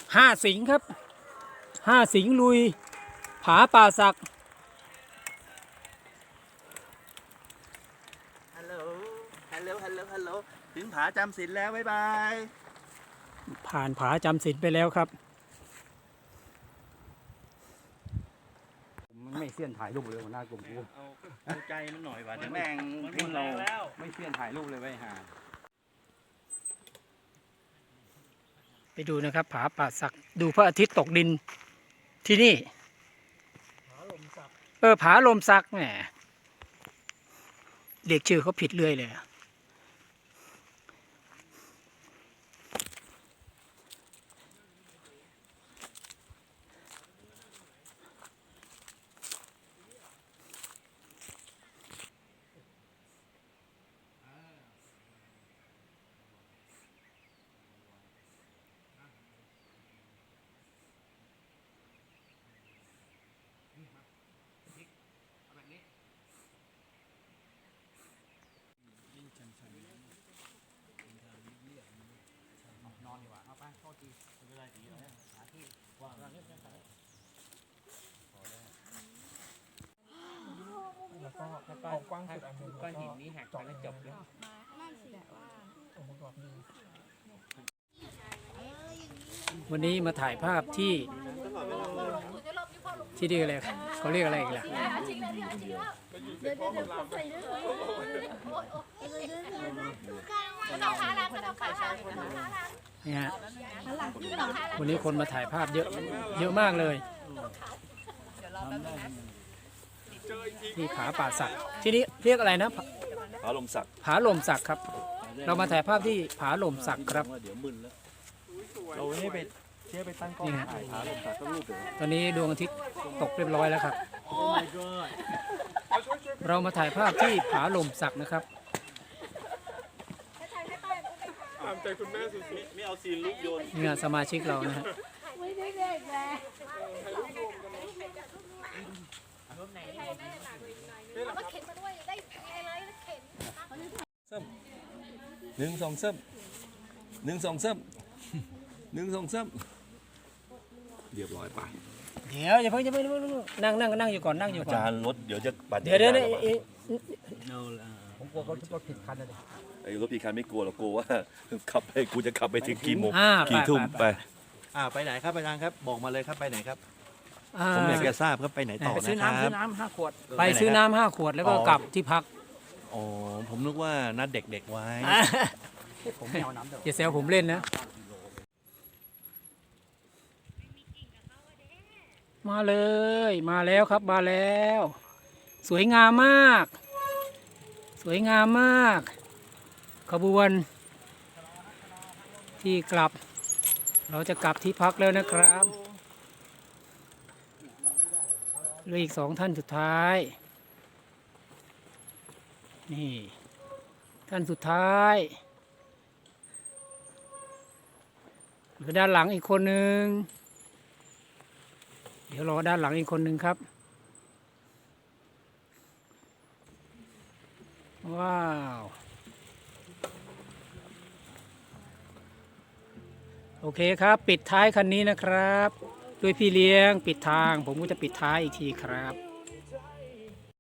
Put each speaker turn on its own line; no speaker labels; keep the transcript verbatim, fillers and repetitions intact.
ห้าสิงห์ครับห้าสิงห์ลุยผาป่าสัก
ฮัลโหลฮัลโหลฮัลโหลฮัลโหลถึงผาจำศีลแล้วบ๊ายบาย
ผ่านผาจำศีลไปแล้วครับ
มันไม่เสี้ยนถ่ายรูปเลยหัวหน้ากลุ่มกู
เอาเอาใจมันหน่อยว่ะเดี๋ยวแม่งทิ้งเรา
ไม่เสี้ยนถ่ายรูปเลยไว้ห่า
ไปดูนะครับผาป่าสักดูพระอาทิตย์ตกดินที่นี่เออผาลมสักแหมเรียกชื่อเขาผิดเรื่อยเลย
นอนดีกว่าเอาไปโทษทีไม่เป็นไรดีแล้วหาที่วางเงียบๆไปแล้วก็เอากว้างสุดอันนึงก้อนหินนี้หักไปแล้วจบแล้ว
วันนี้มาถ่ายภาพที่ที่เรียกอะไรเขาเรียกอะไรอีกล่ะนี่ฮะวันนี้คนมาถ่ายภาพเยอะเยอะมากเลยที่ผาป่าสักที่นี้เรียกอะไรนะ
ผาลมสัก
ผาลมสักครับเรามาถ่ายภาพที่ผาลมสักครับ
เดี๋ยวมึนแล้วเราให้ไปเชื่อไปตั้งกล้องถ่ายผาลมสักก็รูปเดี๋ยว
ตอนนี้ดวงอาทิตย์ตกเรียบร้อยแล้วครับเรามาถ่ายภาพที่ผาลมสักนะครับ
ตามใจคุณแม่สุดๆ
ไม่เอาซีนลูกโยน
เนี่ยสมาชิกเรานะฮะ
ไม่ได้เด็กแล้วเอาเข็นมาด้วยได้อะไรเข็น
หนึ่งสองซ้ำหนึ่งสองซ้ำหนึ่งสองซ้ำเรียบร้อยไป
เดี๋ยวอย่าเพิ่งอย่าเพิ่งนั่งนั่งนั่งอยู่ก่อนนั่งอยู่ก่อน
อาจารย์รถเดี๋ยวจะบาดเจ็บ
เดี๋ยวเดี๋ยวเดี๋ยว
ผมกลัวเขารถผิดคันเลย
ไอ้รถผิดคันไม่กลัวหรอกกลัวว่าขับไปกูจะขับไปถึงกี่โมง
กี่
ทุ่มไป
อ่าไปไหนครับอาจารย์ครับบอกมาเลยครับไปไหนครับ
อ่า
ผมอยากจะทราบครับไปไหนต่อ
ไปซื้อ
นะค
น้ำซื้
รั
อบ น้ำห้าขวดไปซื้อน้ำห้าขวดแล้วก็กลับที่พัก
อ๋อผมนึกว่านัดเด็กๆไว้
ผมไม่เอาน้ำเดี๋ยว
อย่าแซวผมเล่นนะมาเลยมาแล้วครับมาแล้ว สวยงามมาก สวยงามมากขบวนที่กลับเราจะกลับที่พักแล้วนะครับเหลืออีกสองท่านสุดท้ายนี่ท่านสุดท้ายเหลือด้านหลังอีกคนหนึ่งเดี๋ยวรอด้านหลังอีกคนหนึ่งครับว้าวโอเคครับปิดท้ายคันนี้นะครับด้วยพี่เลี้ยงปิดทางผมก็จะปิดท้ายอีกทีครับ